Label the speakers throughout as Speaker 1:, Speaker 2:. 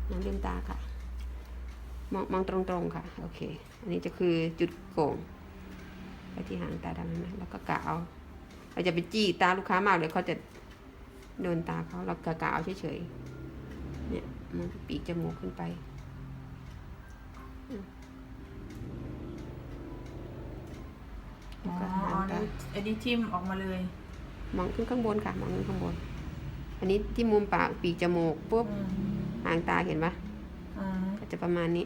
Speaker 1: น้องลืมตาค่ะมองตรงๆค่ะโอเคอันนี้จะคือจุดโก่งไปที่หางตาดำนะแล้วก็กะเอาเราจะไปจี้ตาลูกค้ามากเดี๋ยวเขาจะโดนตาเขาเรากะเอาเฉยๆเนี่ยมันปีกจมูกขึ้นไป
Speaker 2: อ๋ออันนี้ทิ่มออกมาเลย
Speaker 1: มองขึ้นข้างบนค่ะมองขึ้นข้างบนอันนี้ที่มุมปากปีกจมูกปุ๊บหางตาเห็นปะก็จะประมาณนี้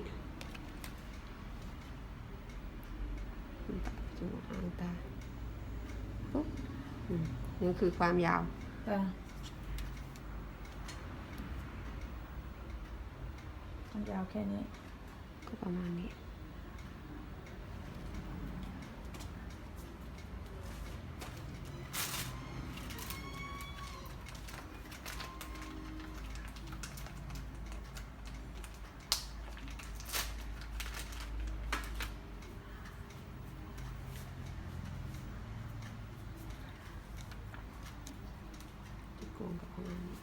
Speaker 1: จมูกหางตาปุ๊บนี่คือความยาว
Speaker 2: มันยาวแค่นี้
Speaker 1: ก็ประมาณนี้โกงกับประมาณนี้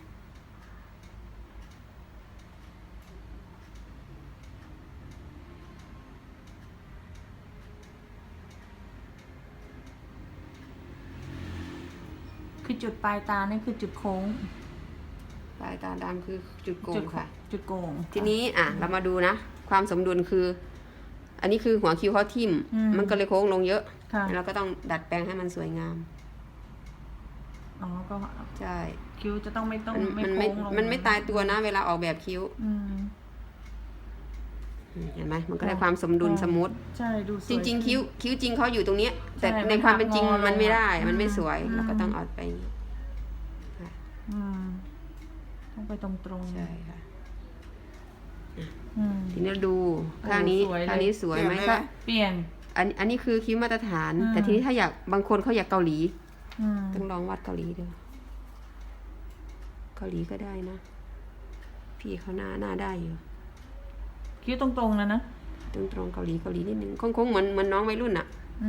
Speaker 2: คือจุดปลายตานี่คือจุดโค้ง
Speaker 1: ปลายตาดำคือจุดโกงค่ะ
Speaker 2: จุดโกง
Speaker 1: ทีนี้เรามาดูนะความสมดุลคืออันนี้คือหัวคิ้วเขาทิ่มมันก็เลยโค้งลงเยอะเราก็ต้องดัดแปลงให้มันสวยงาม
Speaker 2: อ๋อก็
Speaker 1: ใช่
Speaker 2: คิ้วจะต้องไม่โค้งลง
Speaker 1: มันไม่ตายตัวนะเวลาออกแบบคิ้วเห็นไหมมันก็ได้ความสมดุลสมูท
Speaker 2: ใช่ดู
Speaker 1: จริงๆคิ้วจริงเขาอยู่ตรงนี้แต่ในความเป็นจริงมันไม่ได้มันไม่สวยเราก็ต้องเอาไป
Speaker 2: ต้องไปตรง
Speaker 1: ใช่ค่ะทีนี้ดูข้างนี้สวยไหมก็
Speaker 2: เปลี่ยน
Speaker 1: อันนี้คือคิ้วมาตรฐานแต่ทีนี้ถ้าอยากบางคนเขาอยากเกาหลีต้องลองวัดเกาหลีดูเกาหลีก็ได้นะพี่เขาหน้าได้อยู่
Speaker 2: คิ้วตรงๆนะ
Speaker 1: ตรงเกาหลีนิดนึงคงเหมือนน้องวัยรุ่นอ่ะ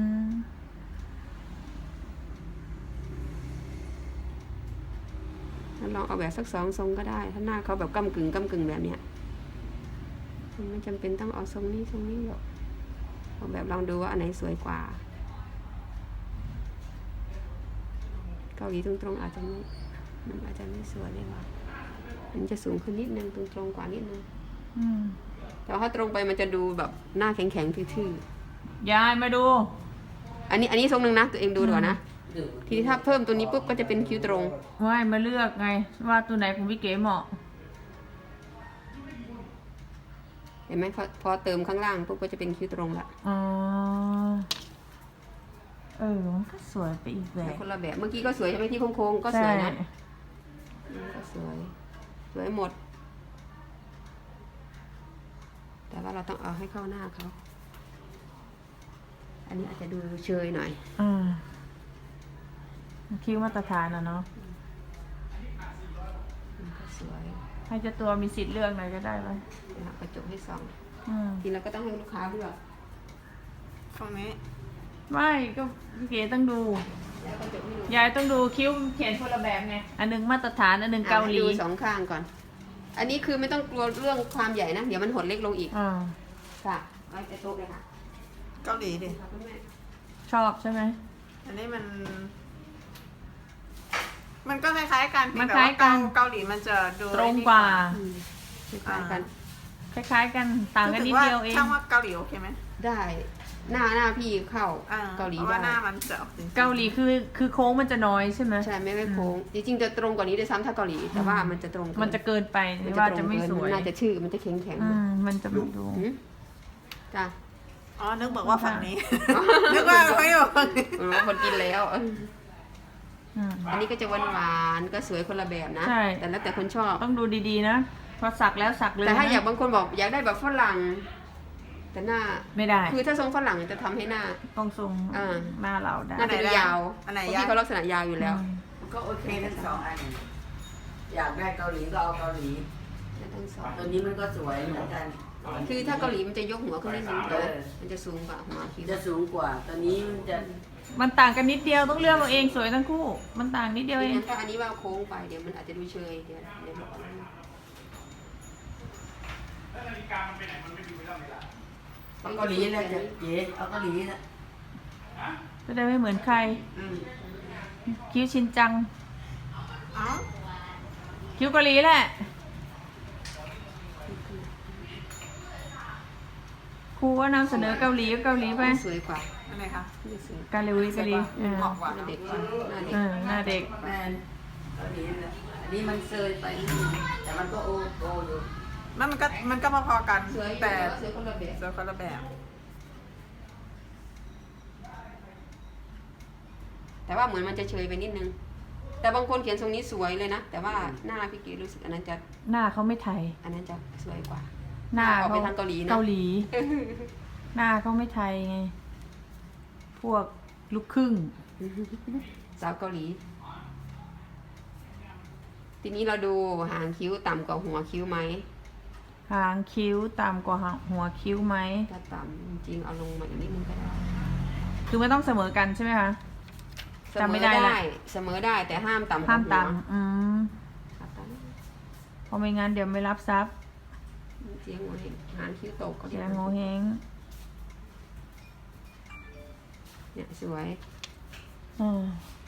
Speaker 1: ลองเอาแบบสัก2 ทรงก็ได้ถ้าหน้าเขาแบบก้ำกึ่งแบบเนี้ยมันไม่จำเป็นต้องเอาทรงนี้หรอกเอาแบบลองดูว่าอันไหนสวยกว่าเกาหลีตรงอาจจะไม่สวยเลยว่ะมันจะสูงขึ้นนิดนึงตรงกว่านิดนึงแต่ถ้าตรงไปมันจะดูแบบหน้าแข็งทื่
Speaker 2: อยายมาดู
Speaker 1: อันนี้ทรงนึงนะตัวเองดูดีกว่านะทีนี้ถ้าเพิ่มตัวนี้ปุ๊บก็จะเป็นคิ้วตรง
Speaker 2: ไม่มาเลือกไงว่าตัวไหนของพี่เก๋เหมาะ
Speaker 1: เห็นไหมพอเติมข้างล่างปุ๊บก็จะเป็นคิ้วตรงละ
Speaker 2: อ๋อมันก็สวยไปอีกแบบ
Speaker 1: คนละแบบเมื่อกี้ก็สวยใช่ไหมที่โค้งก็สวยนะก็สวยหมดแต่ว่าเราต้องเอาให้เข้าหน้าเขาอันนี้อาจจะดูเชยหน่อย
Speaker 2: คิ้วมาตรฐานเนาะ
Speaker 1: สวย
Speaker 2: ให้เจ้าตัวมีสิทธิ์เลือกหน่อยก็ได้ไหม
Speaker 1: กระจกให้ส่องทีเราก็ต้องให้ลูกค้าเลือก
Speaker 3: ฝั่งนี้
Speaker 2: ไม่ก็พี่เก๋ต้องดูยายต้องดูคิ้วเขียนคนละแบบไงอันนึงมาตรฐานอันนึงเกาหลี
Speaker 1: ดู2 ข้างก่อนอันนี้คือไม่ต้องกลัวเรื่องความใหญ่นะเดี๋ยวมันหดเล็กลงอีกค่ะไว้ไปโต๊ะเลยค่ะ
Speaker 3: เกาหลีดิ
Speaker 2: ชอบใช่ไหม
Speaker 3: อันนี้มันก็คล้ายๆกัน
Speaker 2: มันคล้ายกัน
Speaker 3: เกาหลีมันจะดู
Speaker 2: ตรงกว่า
Speaker 1: คล้ายกัน
Speaker 2: ต่างกันนิดเดียวเอง
Speaker 3: ช่างว่าเกาหลีโอเคไหม
Speaker 1: ได้หน้าพี่เข้าเกาหลีได้
Speaker 3: หน้ามันจะ
Speaker 2: เกาหลีคือโค้งมันจะน้อยใช่ไหม
Speaker 1: ใช่ไม่โค้งจริงๆจะตรงกว่านี้ด้วยซ้ำถ้าเกาหลีแต่ว่ามันจะตรง
Speaker 2: มันจะเกินไปว่าจะไม่สวย
Speaker 1: น่าจะชื่อมันจะแข็ง
Speaker 2: มันจะไม่ดู
Speaker 1: จ้ะ
Speaker 3: นึกบอกว่าฝั่งนี้นึกว่าไม่อยู่ฝั่งนี้
Speaker 1: คนกินแล้วอันนี้ก็จะหวานก็สวยคนละแบบนะแต่แล้วแต่คนชอบ
Speaker 2: ต้องดูดีๆนะพอสักแล้วสักเลย
Speaker 1: แต่ถ้าอยากบางคนบอกอยากได้แบบฝรั่งแต่หน้า
Speaker 2: ไม่ได้
Speaker 1: คือถ้าทรงฝรั่งจะทำให้หน้า
Speaker 2: ต้องทรงหน้าเราได้
Speaker 1: หน้าจะยาวที่เขาลักษณะยาวอยู่แล้ว
Speaker 3: ก็โอเคทั้ง2 อันอยากได้เกาหลีก็เอาเกาหลี
Speaker 1: ทั้ง2
Speaker 3: ตัวนี้มันก็สวยเหมือนกัน
Speaker 1: คือถ้าเกาหลีมันจะยกหัวขึ้นนิดนึงมันจะสูงกว่าหัวคิ้ว
Speaker 3: จะสูงกว่าตัวนี้
Speaker 2: มันต่างกันนิดเดียวต้องเลือกเอาเองสวยทั้งคู่มันต่างนิดเดียวเอง
Speaker 1: ถ้าอันนี้ว่าโค้งไปเดี๋ยวมันอาจจะดูเชยเดี๋ยว
Speaker 3: เอาเกาหลีเลยจะเก๋เอาเกาหลีนะ
Speaker 2: จะได้ไม่เหมือนใคร
Speaker 3: อืม
Speaker 2: คิ้วชินจัง
Speaker 3: เอ้า
Speaker 2: คิ้วเกาหลีแหละครูว่านำเสนอเกาหลีก็เกาหลีไป
Speaker 1: สวยกว่า
Speaker 3: อะไรคะ
Speaker 1: นี่สวย
Speaker 2: เกาหลีเกาหลีเออ
Speaker 3: เหมาะกว่า
Speaker 1: หน้าเด็กกว่าหน้าเด็ก
Speaker 2: หน้าเด็ก
Speaker 3: แมนเกาหลีเลยอันนี้มันเซยไปนิดนึงแต่มันก็โออยู่
Speaker 4: มันก็พอๆกัน
Speaker 1: สวย
Speaker 4: แต่
Speaker 1: สวยคนละแบบ
Speaker 4: สวยคนละแบบ
Speaker 1: แต่ว่าเหมือนมันจะเฉยไปนิดนึง แต่บางคนเขียนทรงนี้สวยเลยนะ แต่ว่าหน้าพี่เก๋รู้สึกอันนั้นจะ
Speaker 2: หน้าเขาไม่ไทย
Speaker 1: อันนั้นจะสวยกว่า
Speaker 2: หน้า
Speaker 1: ออก
Speaker 2: เขา
Speaker 1: ไปทางเกาหลีนะ
Speaker 2: เกาหลี หน้าเขาไม่ไทยไง พวกลูกครึ่ง
Speaker 1: สาวเกาหลี ทีนี้เราดูหางคิ้วต่ำกว่าหัวคิ้วไหม
Speaker 2: หางคิ้วต่ำกว่าหัวคิ้วไหม
Speaker 1: ถ้าต่ำจริงๆเอาลงมาอีกนิดนึงก็ได้
Speaker 2: คือไม่ต้องเสมอกันใช่ไหมคะ
Speaker 1: เส
Speaker 2: จำ
Speaker 1: ม
Speaker 2: ไม่
Speaker 1: อ
Speaker 2: ได้
Speaker 1: ได้
Speaker 2: ละ
Speaker 1: เสมอได้แต่ห้ามต่ำกว่า
Speaker 2: ห้าม
Speaker 1: หัว
Speaker 2: ต่ำ
Speaker 1: ครับ
Speaker 2: เพราะไม่งั้นเดี๋ยวไม่รับทรัพย์
Speaker 1: เสียงหัวเห็นหางคิ้วตกก็
Speaker 2: เสียงโงเฮง
Speaker 1: เนี่ยสวย
Speaker 2: อืม